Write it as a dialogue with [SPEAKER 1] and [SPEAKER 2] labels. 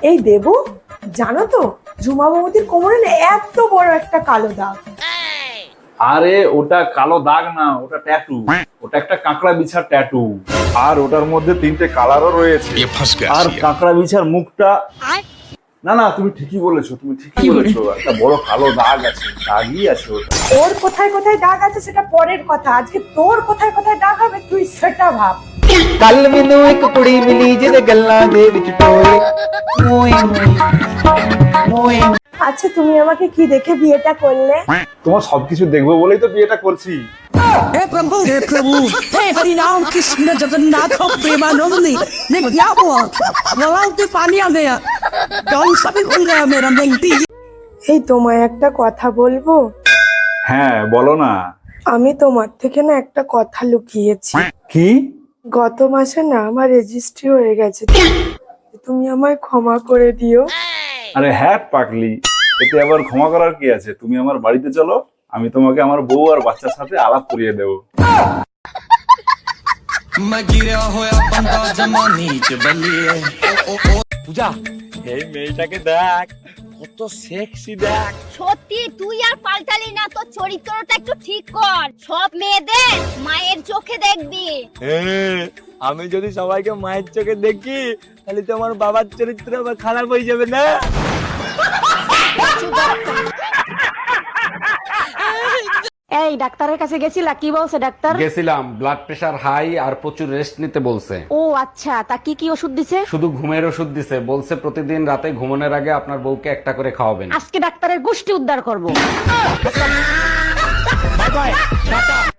[SPEAKER 1] এই দেবু, জানো তো ঝুমা বৌদির কোমরে না এত বড় একটা কালো দাগ।
[SPEAKER 2] আরে ওটা কালো দাগ না, ওটা ট্যাটু। ওটা একটা কাঁকড়া বিছার ট্যাটু। আর ওটার মধ্যে 3টে কালারও রয়েছে। আর কাঁকড়া বিছার মুখটা, না না তুমি ঠিকই বলেছো, তুমি ঠিকই বলেছো, একটা বড় কালো দাগ আছে, দাগই আছে ওটা।
[SPEAKER 1] ওর কোথায় কোথায় দাগ আছে সেটা পরের কথা, আজকে তোর কোথায় কোথায় দাগ হবে তুই সেটা ভাব।
[SPEAKER 3] ਕੱਲ ਮੈਨੂੰ ਇੱਕ ਕੁੜੀ ਮਿਲੀ ਜਿਹਦੇ ਗੱਲਾਂ ਦੇ ਵਿੱਚ ਟੋਏ ਮੋਏ ਮੋਏ
[SPEAKER 1] আচ্ছা তুমি আমাকে কি দেখে বিয়েটা করলে?
[SPEAKER 2] তোমার সবকিছু দেখবো বলেই তো বিয়েটা করছি।
[SPEAKER 4] हे प्रभु हे हरि नाम कृष्ण जगन्नाथ प्रेमानंदी ने क्या हुआ गलाव से पानी आ गया कौन सा भी खुल गया मेरा बेंटी।
[SPEAKER 1] এই তোমায় একটা কথা বলবো?
[SPEAKER 2] হ্যাঁ বলো না।
[SPEAKER 1] আমি তোমার থেকে না একটা কথা লুকিয়েছি।
[SPEAKER 2] কি?
[SPEAKER 1] গত মাসে না আমার রেজিস্ট্রি হয়ে গেছে, তুমি আমায় ক্ষমা করে দিও।
[SPEAKER 2] আরে হ্যাঁ পাগলি, এতে আবার ক্ষমা করার কি আছে? তুমি আমার বাড়িতে চলো, আমি তোমাকে আমার বউ আর বাচ্চার সাথে আলাপ করিয়ে দেবো।
[SPEAKER 3] পূজা এই মেয়েটাকে দেখ কত সেক্সি দেখ।
[SPEAKER 5] সত্যি তুই আর পাল্টালি না, তোর চরিত্রটা একটু ঠিক কর। সব মেয়েদের মায়ের চোখে দেখবি।
[SPEAKER 3] আমি যদি সবাইকে মায়ের চোখে দেখি তাহলে তো আমার বাবার চরিত্র আবার খারাপ হয়ে যাবে না?
[SPEAKER 6] এই ডাক্তারের কাছে গেছিলা, কি বলছে ডাক্তার?
[SPEAKER 7] গেছিলাম, ব্লাড প্রেশার হাই আর প্রচুর রেস্ট নিতে বলছে।
[SPEAKER 6] ও আচ্ছা, তা কি কি ওষুধ দিছে?
[SPEAKER 7] শুধু ঘুমের ওষুধ দিছে, বলছে প্রতিদিন রাতে ঘুমানোর আগে আপনার বউকে একটা করে খাওয়াবেন।
[SPEAKER 6] আজকে ডাক্তারের গোষ্ঠী উদ্ধার করব।